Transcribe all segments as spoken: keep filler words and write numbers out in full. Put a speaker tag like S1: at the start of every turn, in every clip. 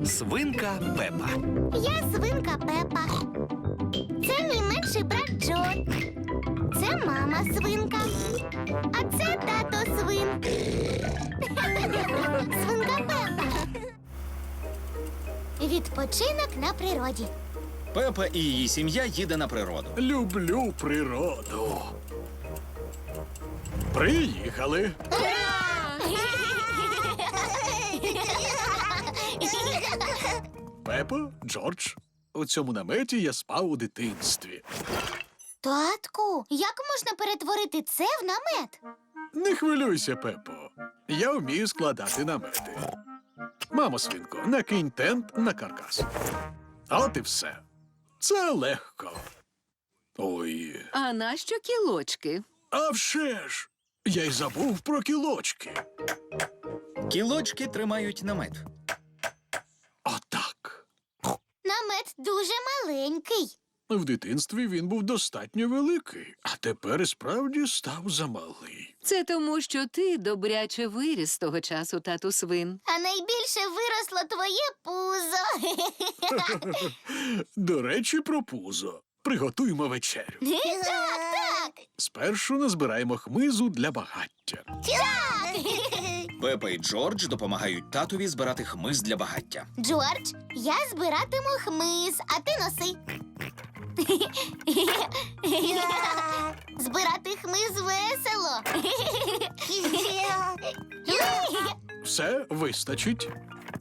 S1: Свинка Пепа.
S2: Я свинка Пепа. Це мій менший брат Джо. Це мама свинка. А це тато свин. Свинка Пепа. Відпочинок на природі.
S3: Пепа і її сім'я їде на природу.
S4: Люблю природу. Приїхали. Пепа, Джордж, у цьому наметі я спав у дитинстві.
S2: Татку, як можна перетворити це в намет?
S4: Не хвилюйся, Пепо. Я вмію складати намети. Мамо, свинко, накинь тент на каркас. От і все. Це легко. Ой.
S5: А нащо кілочки?
S4: А вже ж! Я й забув про кілочки.
S3: Кілочки тримають намет.
S4: Отак.
S2: Намет дуже маленький.
S4: В дитинстві він був достатньо великий, а тепер і справді став замалий.
S5: Це тому, що ти добряче виріс з того часу, тату свин.
S2: А найбільше виросло твоє пузо.
S4: До речі, про пузо. Приготуємо вечерю.
S2: Так, так.
S4: Спершу назбираємо хмизу для багаття.
S2: Так.
S3: Пепа і Джордж допомагають татові збирати хмиз для багаття.
S2: Джордж, я збиратиму хмиз, а ти носи. Збирати хмиз весело.
S4: Все вистачить.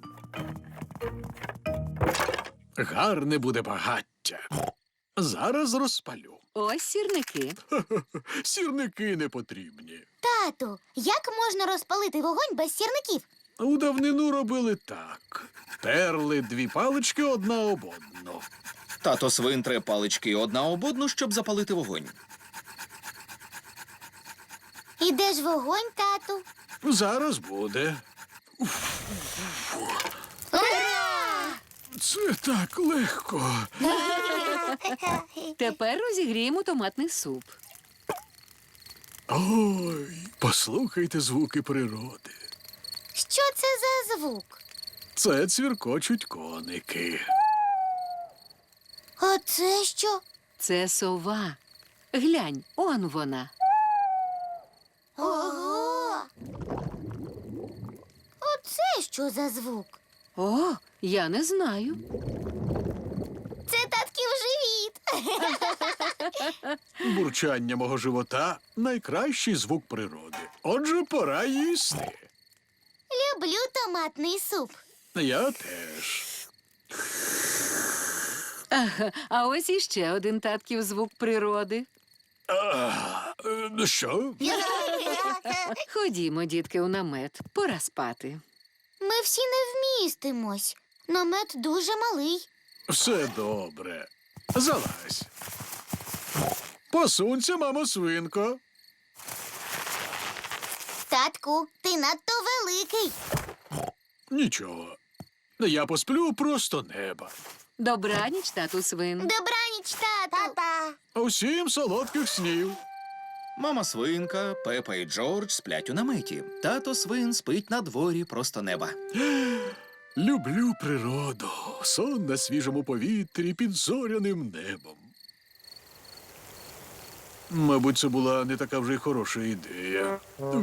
S4: Гарне буде багаття. Зараз розпалю.
S5: Ось сірники.
S4: Сірники не потрібні.
S2: Тату, як можна розпалити вогонь без сірників?
S4: У давнину робили так. Терли дві палички одна об одну.
S3: Тато свин тре палички одна об одну, щоб запалити вогонь.
S2: І де ж вогонь, тату?
S4: Зараз буде.
S2: Ура!
S4: Це так легко.
S5: Тепер розігріємо томатний суп.
S4: Ой, послухайте звуки природи.
S2: Що це за звук?
S4: Це цвіркочуть коники.
S2: А це що?
S5: Це сова. Глянь, он вона.
S2: Ого! Оце що за звук?
S5: О, я не знаю.
S2: Це татків живіт.
S4: Бурчання мого живота – найкращий звук природи. Отже, пора їсти.
S2: Люблю томатний суп.
S4: Я теж.
S5: Ага, а ось іще один татків звук природи.
S4: А, е, що?
S5: Ходімо, дітки, у намет. Пора спати.
S2: Ми всі не вмістимось. Намет дуже малий.
S4: Все добре. Залазь. Посунься, мамо свинко.
S2: Татку, ти надто великий.
S4: Нічого. Я посплю просто неба.
S5: Добраніч, тату свин.
S2: Добраніч, тату. Папа.
S4: Усім солодких снів.
S3: Мама свинка, Пепа і Джордж сплять у наметі. Тато свин спить на дворі просто неба.
S4: Люблю природу. Сон на свіжому повітрі під зоряним небом. Мабуть, це була не така вже й хороша ідея.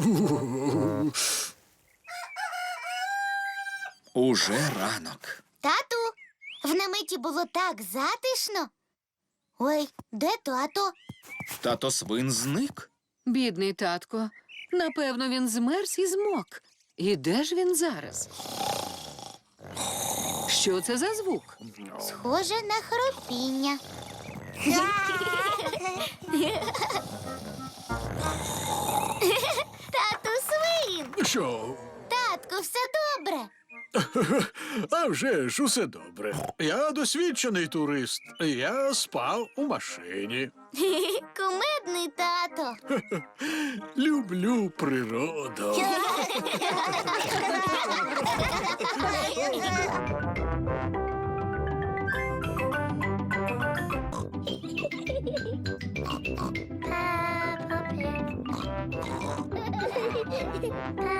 S3: Уже ранок.
S2: Тату, в наметі було так затишно. Ой, де тато?
S3: Тато свин зник.
S5: Бідний татко. Напевно, він змерз і змок. І де ж він зараз? Що це за звук?
S2: Схоже на хропіння. Тату свин!
S4: Що?
S2: Татку, все добре.
S4: А вже ж усе добре. Я досвідчений турист. Я спав у машині.
S2: Кумедний тато.
S4: Люблю природу.
S2: Peppa Pig.